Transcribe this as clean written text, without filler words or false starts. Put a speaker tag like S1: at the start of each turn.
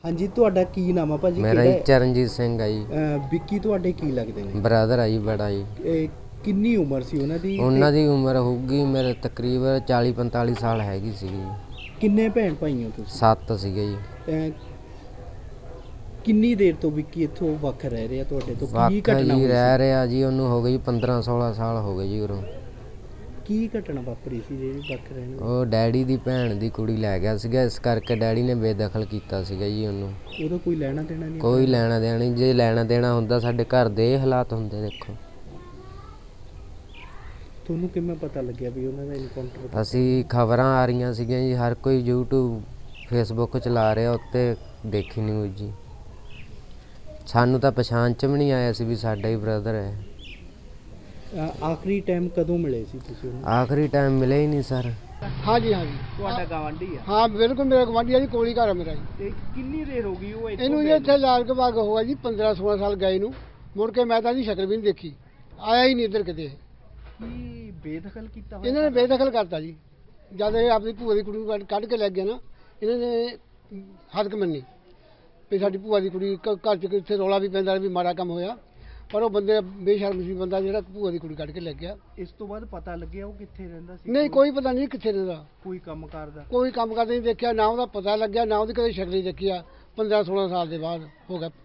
S1: ਹਾਂਜੀ, ਤੁਹਾਡਾ ਕੀ ਨਾਮ ਆ ਭਾਜੀ?
S2: ਮੇਰਾ ਜੀ ਚਰਨਜੀਤ ਸਿੰਘ ਆ ਜੀ।
S1: ਵਿੱਕੀ ਤੁਹਾਡੇ ਕੀ ਲੱਗਦੇ ਨੇ?
S2: ਬ੍ਰਦਰ ਆ ਜੀ ਬੜਾ ਜੀ।
S1: ਕਿੰਨੀ ਉਮਰ ਸੀ ਉਹਨਾਂ ਦੀ?
S2: ਉਹਨਾਂ ਦੀ ਉਮਰ ਹੋਊਗੀ ਮੇਰੇ ਤਕਰੀਬਨ 40-45 ਸਾਲ ਹੈਗੀ ਸੀਗੀ ਜੀ।
S1: ਕਿੰਨੇ ਭੈਣ ਭਾਈ ਹੋ ਤੁਸੀਂ?
S2: 7 ਸੀਗੇ ਜੀ।
S1: ਕਿੰਨੀ ਦੇਰ ਤੋਂ ਵਿੱਕੀ ਇੱਥੋਂ ਵੱਖ ਰਹਿ ਰਿਹਾ ਤੁਹਾਡੇ ਤੋਂ? ਕੀ
S2: ਵੱਖ
S1: ਘਟਨਾ
S2: ਜੀ
S1: ਹੋਈ
S2: ਰਹਿ
S1: ਸੀ?
S2: ਰਿਹਾ ਜੀ, ਉਹਨੂੰ ਹੋ ਗਈ 15-16 ਸਾਲ ਹੋ ਗਏ ਜੀ ਉਰੋਂ।
S1: ਕੀ ਘਟਨਾ ਵਾਪਰੀ ਸੀ ਜਿਹੜੀ ਵੱਖ ਰਹਿਣ?
S2: ਉਹ ਡੈਡੀ ਦੀ ਭੈਣ ਦੀ ਕੁੜੀ ਲੈ ਗਿਆ ਸੀਗਾ, ਇਸ ਕਰਕੇ ਡੈਡੀ ਨੇ ਬੇਦਖਲ ਕੀਤਾ ਸੀਗਾ ਜੀ ਉਹਨੂੰ।
S1: ਉਹਦਾ ਕੋਈ ਲੈਣਾ ਦੇਣਾ ਨਹੀਂ?
S2: ਕੋਈ ਲੈਣਾ ਦੇਣਾ ਨਹੀਂ। ਜੇ ਲੈਣਾ ਦੇਣਾ ਹੁੰਦਾ ਸਾਡੇ ਘਰ ਦੇ ਇਹ ਹਾਲਾਤ ਹੁੰਦੇ। ਦੇਖੋ
S1: ਤੁਹਾਨੂੰ ਕਿਵੇਂ ਪਤਾ ਲੱਗਿਆ ਵੀ ਉਹਨਾਂ ਦਾ ਇਨਕਾਊਂਟਰ?
S2: ਅਸੀਂ ਖਬਰਾਂ ਆ ਰਹੀਆਂ ਸੀਗੀਆਂ ਜੀ, ਹਰ ਕੋਈ YouTube Facebook ਚਲਾ ਰਿਹਾ, ਉੱਤੇ ਦੇਖੀ ਨਿਊਜ਼ ਜੀ। ਸਾਨੂੰ ਤਾਂ ਪਛਾਣ 'ਚ ਵੀ ਨਹੀਂ ਆਇਆ ਸੀ ਵੀ ਸਾਡਾ ਹੀ ਬ੍ਰਦਰ ਹੈ।
S1: ਆਖਰੀ ਟਾਈਮ ਕਦੋਂ ਮਿਲੇ ਸੀ ਤੁਸੀਂ ਉਹਨੂੰ?
S2: ਆਖਰੀ ਟਾਈਮ ਮਿਲੇ ਹੀ ਨਹੀਂ ਸਰ।
S3: हाँ जी हाँ जी
S1: ਤੁਹਾਡਾ ਗਵਾਂਢੀ ਆ?
S3: हाँ बिल्कुल मेरा गवांढी है जी, कोली घर है मेरा जी।
S1: ਤੇ ਕਿੰਨੀ ਦੇਰ ਹੋ ਗਈ ਉਹ
S3: ਇਹਨੂੰ ਜੀ ਇੱਥੇ ਲਾਲ ਕੇ ਬਾਗ ਹੋਇਆ ਜੀ 15-16 ਸਾਲ ਗਏ ਨੂੰ। ਮੁੜ ਕੇ ਮੈਂ ਤਾਂ ਇਹਦੀ ਸ਼ਕਲ ਵੀ ਨਹੀਂ ਦੇਖੀ, ਆਇਆ ਹੀ ਨਹੀਂ ਇੱਧਰ ਕਿਤੇ।
S1: ਕੀ ਬੇਦਖਲ ਕੀਤਾ ਹੋਇਆ?
S3: ਇਹਨਾਂ ਨੇ ਬੇਦਖਲ ਕਰਤਾ ਜੀ। ਜਦ ਇਹ ਆਪਣੀ ਭੂਆ ਦੀ ਕੁੜੀ ਨੂੰ ਕੱਢ ਕੇ ਲੈ ਗਿਆ ਨਾ, ਇਹਨਾਂ ਨੇ ਹੱਦ ਮੰਨੀ ਵੀ ਸਾਡੀ ਭੂਆ ਦੀ ਕੁੜੀ ਘਰ 'ਚ ਕਿੱਥੇ ਰੌਲਾ ਵੀ ਪੈਂਦਾ ਵੀ ਮਾੜਾ ਕੰਮ ਹੋਇਆ, ਪਰ ਉਹ ਬੰਦੇ ਬੇਸ਼ਰਮ ਸੀ ਬੰਦਾ ਜਿਹੜਾ ਭੂਆ ਦੀ ਕੁੜੀ ਕੱਢ ਕੇ ਲੈ ਗਿਆ।
S1: ਇਸ ਤੋਂ ਬਾਅਦ ਪਤਾ ਲੱਗਿਆ ਉਹ ਕਿੱਥੇ ਰਹਿੰਦਾ ਸੀ?
S3: ਨਹੀਂ ਕੋਈ ਪਤਾ ਨਹੀਂ ਕਿੱਥੇ ਰਹਿੰਦਾ,
S1: ਕੋਈ ਕੰਮ ਕਰਦਾ?
S3: ਕੋਈ ਕੰਮ ਕਰਦੇ ਨਹੀਂ ਦੇਖਿਆ, ਨਾ ਉਹਦਾ ਪਤਾ ਲੱਗਿਆ, ਨਾ ਉਹਦੀ ਕਦੇ ਸ਼ਕਲ ਹੀ ਦੇਖੀ ਆ। 15-16 ਸਾਲ ਦੇ ਬਾਅਦ ਹੋ ਗਿਆ